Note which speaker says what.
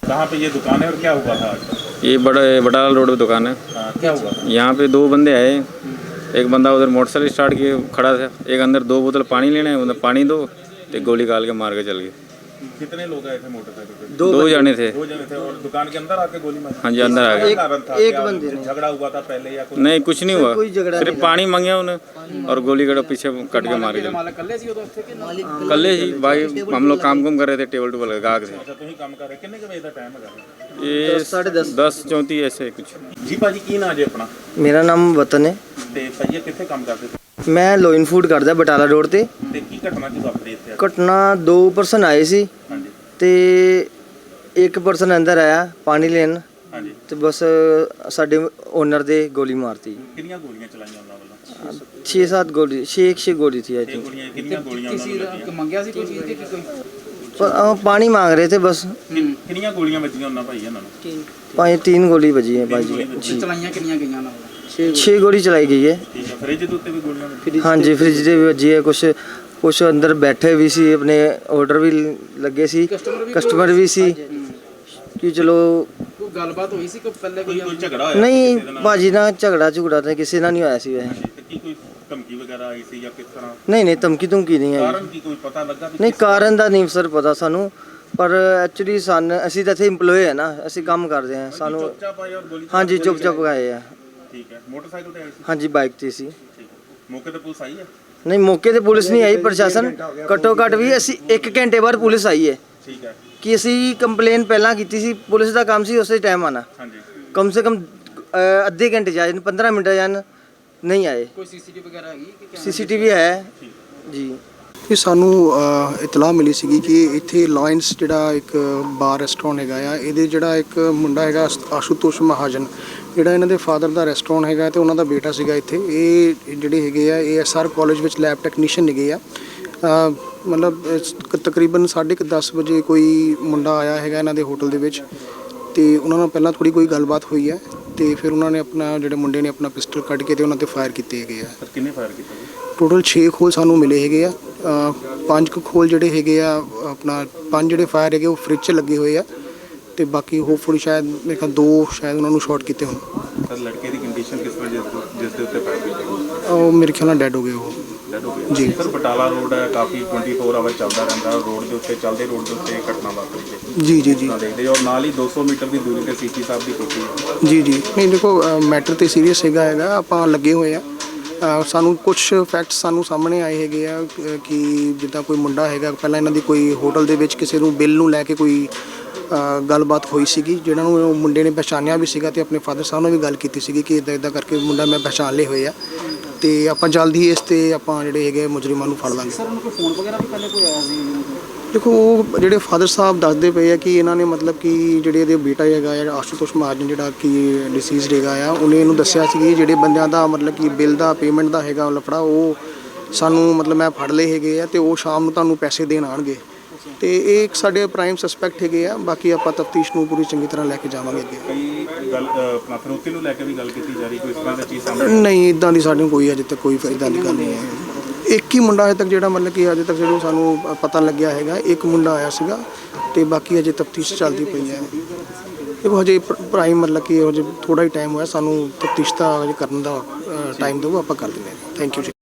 Speaker 1: कहाँ पे ये दुकान है और क्या हुआ था आज?
Speaker 2: ये बटाला रोड पे दुकान है।
Speaker 1: क्या हुआ था?
Speaker 2: यहाँ पे दो बंदे आए, एक बंदा उधर मोटरसाइकिल स्टार्ट किए खड़ा था, एक अंदर 2 बोतल पानी लेना है, उधर पानी दो, तो गोली काल के मार के चल गए।
Speaker 1: कितने लोग आए थे मोटरसाइकिल पे?
Speaker 2: दो जने थे।
Speaker 1: 2 जने थे और दुकान के अंदर आके गोली मारी?
Speaker 2: हाँ जी, अंदर आ गए।
Speaker 1: एक बंदे ने झगड़ा हुआ था पहले या कुछ?
Speaker 2: नहीं, कुछ नहीं हुआ, सिर्फ पानी मांगे उन्हें और गोली कड़ा पीछे कट के मार के चल। कल्ले ही भाई, हम लोग काम कर रहे थे टेबल टूबल गाहक से।
Speaker 1: अच्छा, तुम ही काम कर रहे? कितने के बजे का टाइम है?
Speaker 2: ये 10:34 ऐसे कुछ।
Speaker 1: जी भाजी, की ना जे अपना?
Speaker 3: मेरा नाम वतन है
Speaker 1: ਤੇ ਭਈਆ ਕਿੱਥੇ ਕੰਮ ਕਰਦੇ ਸੀ?
Speaker 3: ਮੈਂ ਲੋਇਨ ਫੂਡ ਕਰਦਾ ਬਟਾਲਾ ਰੋਡ ਤੇ।
Speaker 1: ਤੇ ਕੀ ਘਟਨਾ ਕੀ ਵਾਪਰੀ ਇੱਥੇ?
Speaker 3: ਘਟਨਾ 2 ਪਰਸਨ ਆਏ ਸੀ
Speaker 1: ਹਾਂਜੀ
Speaker 3: ਤੇ ਇੱਕ ਪਰਸਨ ਅੰਦਰ ਆਇਆ ਪਾਣੀ ਲੈਣ
Speaker 1: ਹਾਂਜੀ।
Speaker 3: ਤੇ ਬਸ ਸਾਡੇ ਓਨਰ ਦੇ ਗੋਲੀ ਮਾਰਤੀ।
Speaker 1: ਕਿੰਨੀਆਂ ਗੋਲੀਆਂ ਚਲਾਈਆਂ ਉਹਨਾਂ ਵੱਲੋਂ?
Speaker 3: 6-7 ਗੋਲੀ 6 ਗੋਲੀ थी आई
Speaker 1: 6
Speaker 3: थिंक।
Speaker 1: ਗੋਲੀਆਂ। ਕਿੰਨੀਆਂ ਗੋਲੀਆਂ ਉਹਨਾਂ ਨੂੰ ਲੱਗੀਆਂ?
Speaker 4: ਮੰਗਿਆ ਸੀ ਕੋਈ ਚੀਜ਼ ਦੀ ਕਿ ਕੋਈ
Speaker 3: पानी मांग रहे थे बस।
Speaker 1: ਕਿੰਨੀਆਂ ਗੋਲੀਆਂ ਵੱਜੀਆਂ ਉਹਨਾਂ ਭਾਈ ਇਹਨਾਂ ਨੂੰ?
Speaker 3: 3 गोली बजी है भाई जी।
Speaker 4: ਚਲਾਈਆਂ ਕਿੰਨੀਆਂ ਗਈਆਂ ਨਾਲ?
Speaker 3: 6 गोली चलाई गई है।
Speaker 1: ਠੀਕ ਹੈ। ਫ੍ਰਿਜ ਦੇ ਉੱਤੇ ਵੀ ਗੋਲੀਆਂ ਵੱਜੀਆਂ?
Speaker 3: हाँ जी, फ्रिज ਦੇ ਵੀ ਵੱਜੀ ਹੈ। ਕੁਛ ਅੰਦਰ ਬੈਠੇ ਵੀ ਸੀ, ਆਪਣੇ ਆਰਡਰ ਵੀ ਲੱਗੇ ਸੀ, ਕਸਟਮਰ ਵੀ ਸੀ ਕਿ ਚਲੋ।
Speaker 4: ਕੋਈ ਗੱਲਬਾਤ ਹੋਈ ਸੀ ਕੋਈ ਪਹਿਲੇ ਕੋਈ?
Speaker 1: ਕੋਈ ਝਗੜਾ ਹੋਇਆ?
Speaker 3: ਨਹੀਂ ਭਾਜੀ ਨਾਲ ਝਗੜਾ ਤਾਂ ਕਿਸੇ ਨਾਲ ਨਹੀਂ ਹੋਇਆ ਸੀ ਵੈਸੇ।
Speaker 1: ਤੇ ਕੀ ਕੋਈ ਧਮਕੀ ਵਗੈਰਾ ਆਈ ਸੀ ਜਾਂ ਕਿਸ ਤਰ੍ਹਾਂ?
Speaker 3: ਨਹੀਂ ਧਮਕੀ ਨਹੀਂ ਆਈ।
Speaker 1: ਕਾਰਨ ਕੀ ਕੋਈ ਪਤਾ ਲੱਗਾ?
Speaker 3: ਨਹੀਂ ਕਾਰਨ ਦਾ ਨਹੀਂ ਸਰ ਪਤਾ ਸਾਨੂੰ, ਪਰ ਐਕਚੁਅਲੀ ਅਸੀਂ ਤਾਂ ਇੱਥੇ EMPLOYE ਹੈ ਨਾ, ਅਸੀਂ ਕੰਮ ਕਰਦੇ ਹਾਂ। ਸਾਨੂੰ
Speaker 1: ਚੁੱਪਚਾਪ ਆਏ ਔਰ ਗੋਲੀ?
Speaker 3: ਹਾਂਜੀ ਚੁੱਪ ਆਏ ਆ।
Speaker 1: ਠੀਕ ਹੈ। ਮੋਟਰਸਾਈਕਲ ਤੇ ਆਏ ਸੀ?
Speaker 3: ਹਾਂਜੀ ਬਾਈਕ ਤੇ ਸੀ।
Speaker 1: ਠੀਕ ਹੈ। ਮੌਕੇ ਤੇ ਪੁਲਿਸ ਆਈ ਹੈ?
Speaker 3: ਨਹੀਂ ਮੌਕੇ ਤੇ ਪੁਲਿਸ ਨਹੀਂ ਆਈ, ਪ੍ਰਸ਼ਾਸਨ ਘੱਟੋ ਘੱਟ ਵੀ ਅਸੀਂ 1 ਘੰਟੇ ਬਾਅਦ ਪੁਲਿਸ ਆਈ ਹੈ
Speaker 1: ਠੀਕ ਹੈ।
Speaker 3: ਕਿ ਅਸੀਂ ਕੰਪਲੇਨ ਪਹਿਲਾਂ ਕੀਤੀ ਸੀ। ਪੁਲਿਸ ਦਾ ਕੰਮ ਸੀ ਉਸੇ ਟਾਈਮ ਆਣਾ,
Speaker 1: ਹਾਂਜੀ।
Speaker 3: ਕਮ ਸੇ ਕਮ ਅੱਧੇ ਘੰਟੇ ਜਾਂ 15 ਮਿੰਟ ਜਾਂ ਨਹੀਂ ਆਏ।
Speaker 4: ਕੋਈ ਸੀਸੀਟੀਵੀ ਵਗੈਰਾ ਹੈਗੀ ਕਿ
Speaker 3: CCTV ਹੈ ਜੀ।
Speaker 5: ਇਹ ਸਾਨੂੰ ਇਤਲਾਹ ਮਿਲੀ ਸੀਗੀ ਕਿ ਇੱਥੇ ਲਾਇਨਸ ਜਿਹੜਾ ਇੱਕ ਬਾਰ ਰੈਸਟੋਰੈਂਟ ਹੈਗਾ ਆ, ਇਹਦੇ ਜਿਹੜਾ ਇੱਕ ਮੁੰਡਾ ਹੈਗਾ ਆਸ਼ੂਤੋਸ਼ ਮਹਾਜਨ, ਜਿਹੜਾ ਇਹਨਾਂ ਦੇ ਫਾਦਰ ਦਾ ਰੈਸਟੋਰੈਂਟ ਹੈਗਾ ਤੇ ਉਹਨਾਂ ਦਾ ਬੇਟਾ ਸੀਗਾ ਇੱਥੇ। ਇਹ ਜਿਹੜੇ ਹੈਗੇ ਆ ASR ਕਾਲਜ ਵਿੱਚ ਲੈਬ ਟੈਕਨੀਸ਼ੀਅਨ ਹੈਗੇ ਆ। ਮਤਲਬ ਤਕਰੀਬਨ 10:30 ਵਜੇ ਕੋਈ ਮੁੰਡਾ ਆਇਆ ਹੈਗਾ ਇਹਨਾਂ ਦੇ ਹੋਟਲ ਦੇ ਵਿੱਚ ਤੇ ਉਹਨਾਂ ਨਾਲ ਪਹਿਲਾਂ ਥੋੜੀ ਕੋਈ ਗੱਲਬਾਤ ਹੋਈ ਹੈ ਤੇ ਫਿਰ ਉਹਨਾਂ ਨੇ ਆਪਣਾ ਜਿਹੜੇ ਮੁੰਡੇ ਨੇ ਆਪਣਾ ਪਿਸਟਲ ਕੱਢ ਕੇ ਤੇ ਉਹਨਾਂ ਤੇ ਫਾਇਰ ਕੀਤੇ ਹੈਗੇ ਆ।
Speaker 1: ਸਰ ਕਿੰਨੇ ਫਾਇਰ ਕੀਤੇ?
Speaker 5: ਟੋਟਲ 6 ਖੋਲ ਸਾਨੂੰ ਮਿਲੇ ਹੈਗੇ ਆ। 5 ਖੋਲ ਜਿਹੜੇ ਹੈਗੇ ਆ ਆਪਣਾ 5 ਜਿਹੜੇ ਫਾਇਰ ਹੈਗੇ ਉਹ ਫ੍ਰਿਜ 'ਚ ਲੱਗੇ ਹੋਏ ਆ ਤੇ ਬਾਕੀ ਹੋਪਫੁਲੀ ਸ਼ਾਇਦ ਮੇਰੇ ਖਿਆਲ 2 ਸ਼ਾਇਦ ਉਹਨਾਂ ਨੂੰ ਸ਼ਾਰਟ ਕੀਤੇ ਹੋਣ।
Speaker 1: ਸਰ ਲੜਕੇ ਦੀ ਕੰਡੀਸ਼ਨ ਕਿਸ ਤਰ੍ਹਾਂ ਜਿਸ ਦੇ ਉੱਤੇ ਫਾਇਰ ਕੀਤੇ?
Speaker 5: ਉਹ ਮੇਰੇ ਖਿਆਲ ਨਾਲ ਡੈਡ ਹੋ ਗਏ ਉਹ।
Speaker 1: ਡੈਡ ਹੋ ਗਏ
Speaker 5: ਜੀ।
Speaker 1: ਸਰ ਬਟਾਲਾ ਰੋਡ ਹੈ, ਕਾਫੀ 24 ਆਵਰ ਚੱਲਦਾ ਰਹਿੰਦਾ ਰੋਡ ਦੇ ਉੱਤੇ, ਚੱਲਦੇ ਰੋਡ ਦੇ ਉੱਤੇ ਘਟਨਾ ਵਾਪਰੀ ਹੈ
Speaker 5: ਜੀ
Speaker 1: ਦੇਖਦੇ ਔਰ ਨਾਲ ਹੀ 200 ਮੀਟਰ ਦੀ ਦੂਰੀ ਤੇ CP ਸਾਹਿਬ ਦੀ ਕੋਠੀ ਹੈ।
Speaker 5: ਜੀ ਨਹੀਂ ਦੇਖੋ ਮੈਟਰ ਤੇ ਸੀਰੀਅਸ ਹੈਗਾ ਆਪਾਂ ਲੱਗੇ ਹੋਏ ਆ। ਸਾਨੂੰ ਕੁਝ ਫੈਕਟਸ ਸਾਨੂੰ ਸਾਹਮਣੇ ਆਏ ਹੈਗੇ ਆ ਕਿ ਜਿੱਦਾਂ ਕੋਈ ਮੁੰਡਾ ਹੈਗਾ ਪਹਿਲਾਂ ਇਹਨਾਂ ਦੀ ਕੋਈ ਹੋਟਲ ਦੇ ਵਿੱਚ ਕਿਸੇ ਨੂੰ ਬਿੱਲ ਨੂੰ ਲੈ ਕੇ ਕੋਈ ਗੱਲਬਾਤ ਹੋਈ ਸੀਗੀ, ਜਿਹਨਾਂ ਨੂੰ ਉਹ ਮੁੰਡੇ ਨੇ ਪਛਾਣਿਆ ਵੀ ਸੀਗਾ ਤੇ ਆਪਣੇ ਫਾਦਰ ਸਾਹਿਬ ਨਾਲ ਵੀ ਗੱਲ ਕੀਤੀ ਸੀਗੀ ਕਿ ਇੱਦਾਂ ਕਰਕੇ ਮੁੰਡਾ ਮੈਂ ਪਛਾਣ ਲਏ ਹੋਏ ਆ ਤੇ ਆਪਾਂ ਜਲਦੀ ਇਸ ਤੇ ਆਪਾਂ ਜਿਹੜੇ ਹੈਗੇ ਮੁਜਰਮਾਂ ਨੂੰ ਫੜ ਲਾਂਗੇ।
Speaker 4: ਸਰ ਉਹਨਾਂ ਕੋਲ ਫੋਨ ਵਗੈਰਾ ਵੀ ਪਹਿਲੇ ਕੋਈ ਆਇਆ ਸੀ?
Speaker 5: ਦੇਖੋ ਉਹ ਜਿਹੜੇ ਫਾਦਰ ਸਾਹਿਬ ਦੱਸਦੇ ਪਏ ਆ ਕਿ ਇਹਨਾਂ ਨੇ ਮਤਲਬ ਕਿ ਜਿਹੜੇ ਇਹਦੇ ਬੇਟਾ ਹੈਗਾ ਆ ਆਸ਼ੂਤੋਸ਼ ਮਹਾਜਨ ਜਿਹੜਾ ਕਿ ਡਿਸੀਜ਼ਡ ਹੈਗਾ ਆ, ਉਹਨੇ ਇਹਨੂੰ ਦੱਸਿਆ ਸੀ ਕਿ ਜਿਹੜੇ ਬੰਦਿਆਂ ਦਾ ਮਤਲਬ ਕਿ ਬਿੱਲ ਦਾ ਪੇਮੈਂਟ ਦਾ ਹੈਗਾ ਲਫੜਾ ਉਹ ਸਾਨੂੰ ਮਤਲਬ ਮੈਂ ਫੜ ਲਏ ਹੈਗੇ ਆ ਤੇ ਉਹ ਸ਼ਾਮ ਨੂੰ ਤੁਹਾਨੂੰ ਪੈਸੇ ਦੇਣ ਆਉਣਗੇ ਤੇ ਇਹ ਇੱਕ ਸਾਡੇ ਪ੍ਰਾਈਮ ਸਸਪੈਕਟ ਹੈਗੇ ਆ। ਬਾਕੀ ਆਪਾਂ ਤਫਤੀਸ਼ ਨੂੰ ਪੂਰੀ ਚੰਗੀ ਤਰ੍ਹਾਂ ਲੈ ਕੇ ਜਾਵਾਂਗੇ ਅੱਗੇ।
Speaker 1: ਕਈ ਗੱਲ ਆਪਣਾ ਫਰੋਤੀ ਨੂੰ ਲੈ ਕੇ ਵੀ ਗੱਲ ਕੀਤੀ ਜਾ ਰਹੀ, ਕੋਈ ਇਸ ਤਰ੍ਹਾਂ ਦੀ ਚੀਜ਼ ਸਾਹਮਣੇ?
Speaker 5: ਨਹੀਂ ਇੱਦਾਂ ਦੀ ਸਾਡੇ ਕੋਈ ਅਜੇ ਤੱਕ ਕੋਈ ਇੱਦਾਂ ਦੀ ਗੱਲ ਨਹੀਂ ਹੈ। ਇੱਕ ਹੀ ਮੁੰਡਾ ਅਜੇ ਤੱਕ ਜਿਹੜਾ ਮਤਲਬ ਕਿ ਅਜੇ ਤੱਕ ਜਦੋਂ ਸਾਨੂੰ ਪਤਾ ਲੱਗਿਆ ਹੈਗਾ ਇੱਕ ਮੁੰਡਾ ਆਇਆ ਸੀਗਾ ਤੇ ਬਾਕੀ ਅਜੇ ਤਫਤੀਸ਼ ਚੱਲਦੀ ਪਈ ਹੈ। ਦੇਖੋ ਹਜੇ ਪ੍ਰਾਈਮ ਮਤਲਬ ਕਿ ਹਜੇ ਥੋੜਾ ਹੀ ਟਾਈਮ ਹੋਇਆ, ਸਾਨੂੰ ਤਫਤੀਸ਼ ਦਾ ਕਰਨ ਦਾ ਟਾਈਮ ਦਿਓ, ਆਪਾਂ ਕਰ ਦਿੰਦੇ ਹਾਂ। ਥੈਂਕ ਯੂ ਜੀ।